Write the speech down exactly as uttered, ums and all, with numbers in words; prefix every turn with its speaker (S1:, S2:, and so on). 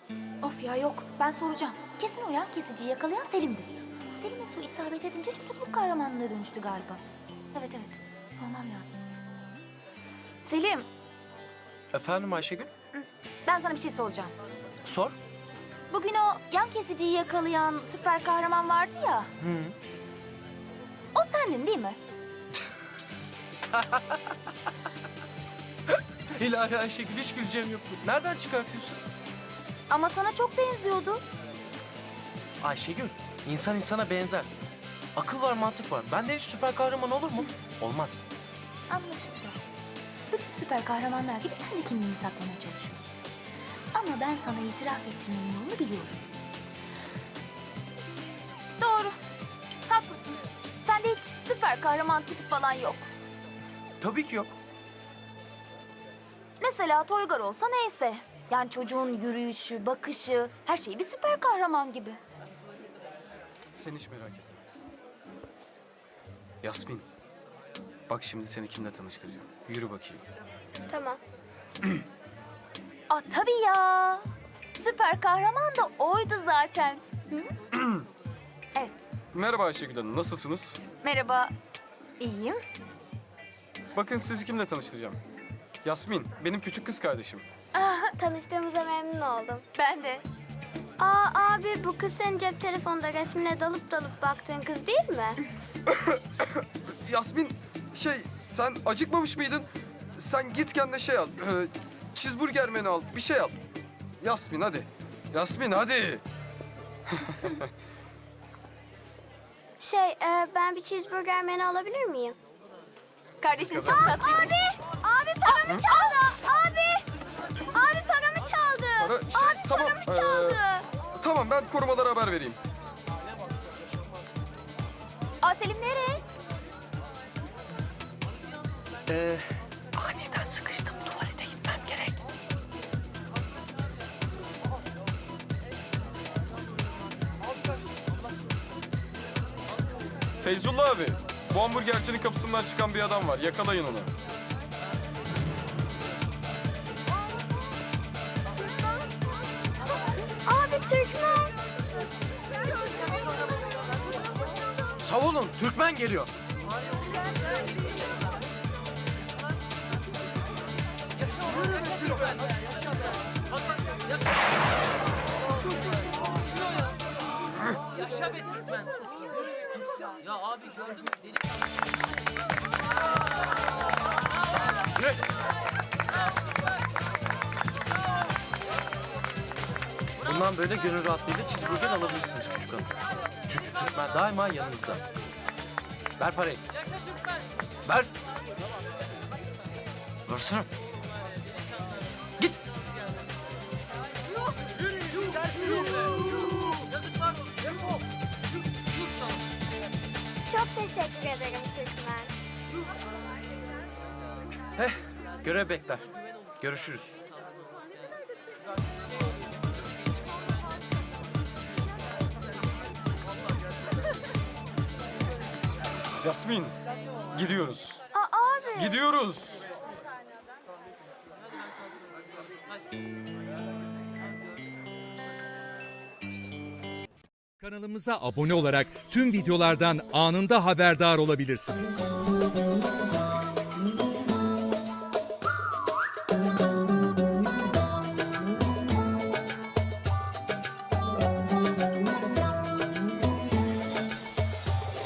S1: Of ya yok, ben soracağım. Kesin o yan kesiciyi yakalayan Selim'di. Selim'e su isabet edince çocukluk kahramanlığına dönüştü galiba. Evet evet, sormam lazım. Selim,
S2: Efendim Ayşegül?
S1: ben sana bir şey soracağım.
S2: Sor.
S1: Bugün o yan kesiciyi yakalayan süper kahraman vardı ya.
S2: Hı.
S1: O sendin değil mi?
S2: İlahi Ayşegül, hiç güleceğim yoktu. Nereden çıkartıyorsun?
S1: Ama sana çok benziyordu.
S2: Ayşegül, insan insana benzer. Akıl var, mantık var. Benden hiç süper kahraman olur mu? Olmaz.
S1: Anlaşıldı. Bütün süper kahramanlar gibi sen de kimliğini saklamaya çalışıyorsun. Ama ben sana itiraf ettirmenin yolunu biliyorum. Doğru. Haklısın. Sende hiç süper kahraman tipi falan yok.
S2: Tabii ki yok.
S1: Mesela Toygar olsa neyse. Yani çocuğun yürüyüşü, bakışı, her şeyi bir süper kahraman gibi.
S3: Sen hiç merak etme. Yasmin, bak şimdi seni kimle tanıştıracağım. Yürü bakayım.
S4: Tamam.
S1: Aa tabii ya. Süper kahraman da oydu zaten. Hı? Evet.
S3: Merhaba Ayşegül Hanım, nasılsınız?
S1: Merhaba. İyiyim.
S3: Bakın sizi kimle tanıştıracağım. Yasmin, benim küçük kız kardeşim.
S4: Tanıştığımıza memnun oldum.
S1: Ben de.
S4: Aa abi bu kız senin cep telefonda resmine dalıp dalıp baktığın kız değil mi?
S3: Yasmin, şey sen acıkmamış mıydın? Sen git kendine şey al. E, cheeseburger menü al, bir şey al. Yasmin hadi. Yasmin hadi.
S4: Şey e, ben bir cheeseburger menü alabilir miyim?
S1: Kardeşiniz çok tatlıymış.
S4: Abi paramı çaldı. Abi. Abi paramı çaldı.
S3: Para, şey,
S4: Abi
S3: tamam.
S4: paramı
S3: e,
S4: çaldı.
S3: tamam ben korumalara haber vereyim.
S1: Aa Selim nereye?
S2: Ee, aniden sıkıştım. Tuvalete gitmem gerek.
S3: Feyzullah abi, bu hamburgercinin kapısından çıkan bir adam var. Yakalayın onu.
S4: Abi Türkmen.
S2: Savunun, Türkmen geliyor.
S5: Yaşa be Türkmen. Ya abi gördün mü? Deli
S2: Yürü. Bundan böyle gönül rahatlığıyla cheeseburger alabilirsiniz küçük hanım. Çünkü Türkmen daima yanınızda. Ver parayı.
S5: yaşa Türkmen.
S2: Ver. Versene. Git.
S5: Yazıklar olsun. Yuh sana.
S4: Çok teşekkür ederim Türkmen.
S2: Heh, görev bekler. Görüşürüz.
S3: Yasmin, gidiyoruz.
S4: Aa abi.
S3: Gidiyoruz.
S6: Kanalımıza abone olarak tüm videolardan anında haberdar olabilirsiniz.